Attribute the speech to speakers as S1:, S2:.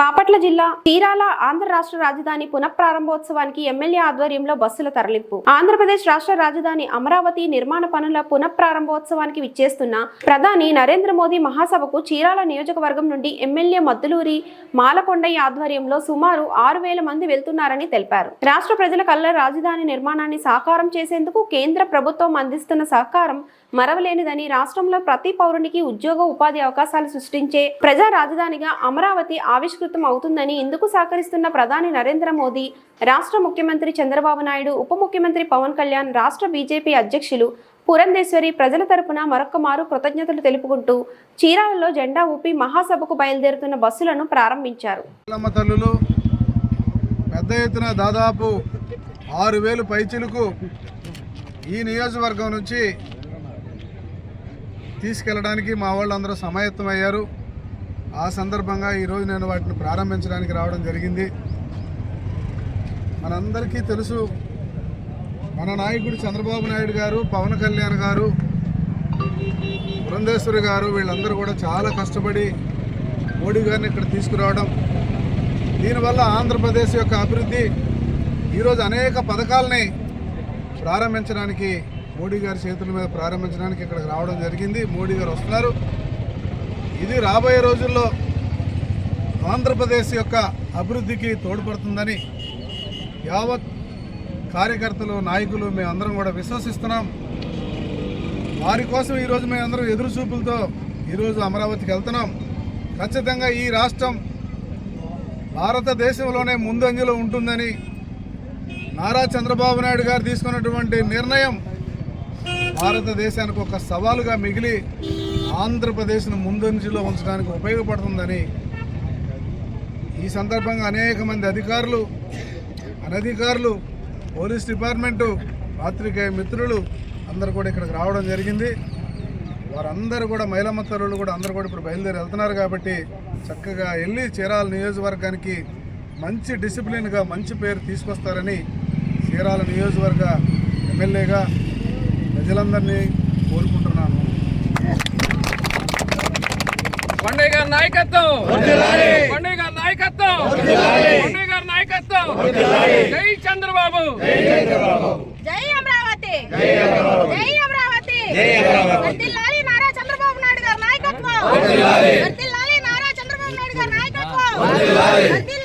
S1: బాపట్ల జిల్లా చీరాల ఆంధ్ర రాష్ట్ర రాజధాని పునఃప్రారంభోత్సవానికి ఎమ్మెల్యే ఆధ్వర్యంలో బస్సుల తరలింపు. ఆంధ్రప్రదేశ్ రాష్ట్ర రాజధాని అమరావతి నిర్మాణ పనుల పునఃప్రారంభోత్సవానికి విచ్చేస్తున్న ప్రధాని నరేంద్ర మోదీ మహాసభకు చీరాల నియోజకవర్గం నుండి ఎమ్మెల్యే మద్దులూరి మాలకొండయ్య ఆధ్వర్యంలో సుమారు 6,000 మంది వెళ్తున్నారని తెలిపారు. రాష్ట్ర ప్రజల కళ్ళ రాజధాని నిర్మాణాన్ని సాకారం చేసేందుకు కేంద్ర ప్రభుత్వం అందిస్తున్న సహకారం మరవలేనిదని, రాష్ట్రంలో ప్రతి పౌరునికి ఉద్యోగ ఉపాధి అవకాశాలు సృష్టించే ప్రజా రాజధానిగా అమరావతి ఆవిష్కృతం అవుతుందని, ఇందుకు సహకరిస్తున్న ప్రధాని నరేంద్ర మోదీ, రాష్ట్ర ముఖ్యమంత్రి చంద్రబాబు నాయుడు, ఉప ముఖ్యమంత్రి పవన్ కళ్యాణ్, రాష్ట్ర బీజేపీ అధ్యక్షులు పురంధేశ్వరి ప్రజల తరపున మరొక్కమారు కృతజ్ఞతలు తెలుపుకుంటూ చీరాలలో జెండా ఊపి మహాసభకు బయలుదేరుతున్న బస్సులను ప్రారంభించారు.
S2: పెద్ద ఎత్తున దాదాపు 6,000 పైచిలకు ఈ నియోజకవర్గం నుంచి తీసుకెళ్ళడానికి మా వాళ్ళందరూ సమాయత్తమయ్యారు. ఆ సందర్భంగా ఈరోజు నేను వాటిని ప్రారంభించడానికి రావడం జరిగింది. మనందరికీ తెలుసు, మన నాయకుడు చంద్రబాబు నాయుడు గారు, పవన్ కళ్యాణ్ గారు, పురంధేశ్వరి గారు, వీళ్ళందరూ కూడా చాలా కష్టపడి మోడీ గారిని ఇక్కడ తీసుకురావడం, దీనివల్ల ఆంధ్రప్రదేశ్ యొక్క అభివృద్ధి ఈరోజు అనేక పథకాలని ప్రారంభించడానికి, మోడీ గారి చేతుల మీద ప్రారంభించడానికి ఇక్కడికి రావడం జరిగింది. మోడీ గారు వస్తున్నారు. ఇది రాబోయే రోజుల్లో ఆంధ్రప్రదేశ్ యొక్క అభివృద్ధికి తోడ్పడుతుందని యావత్ కార్యకర్తలు, నాయకులు మేమందరం కూడా విశ్వసిస్తున్నాం. వారి కోసం ఈరోజు మేమందరం ఎదురు చూపులతో ఈరోజు అమరావతికి వెళ్తున్నాం. ఖచ్చితంగా ఈ రాష్ట్రం భారతదేశంలోనే ముందంజలో ఉంటుందని, నారా చంద్రబాబు నాయుడు గారు తీసుకున్నటువంటి నిర్ణయం భారతదేశానికి ఒక సవాలుగా మిగిలి ఆంధ్రప్రదేశ్ను ముందంజలో ఉంచడానికి ఉపయోగపడుతుందని ఈ సందర్భంగా అనేక మంది అధికారులు, అనధికారులు, పోలీస్ డిపార్ట్మెంటు, పాత్రికేయ మిత్రులు అందరూ కూడా ఇక్కడికి రావడం జరిగింది. వారందరూ కూడా మహిళమ్మ తల్లులు కూడా అందరూ కూడా ఇప్పుడు బయలుదేరి వెళ్తున్నారు. కాబట్టి చక్కగా వెళ్ళి చీరాల నియోజకవర్గానికి మంచి డిసిప్లిన్గా మంచి పేరు తీసుకొస్తారని చీరాల నియోజకవర్గ ఎమ్మెల్యేగా ప్రజలందరినీ కోరుకుంటున్నాను.
S3: కొండయ్య గారి నాయకత్వం, కొండయ్య గారి నాయకత్వం, కొండయ్య గారి నాయకత్వం. జై చంద్రబాబు,
S4: జై అమరావతి, జై అమరావతి. వర్ధిల్లాలి నారా చంద్రబాబు నాయుడు గారి నాయకత్వం, వర్ధిల్లాలి నారా చంద్రబాబు నాయుడు గారి నాయకత్వం.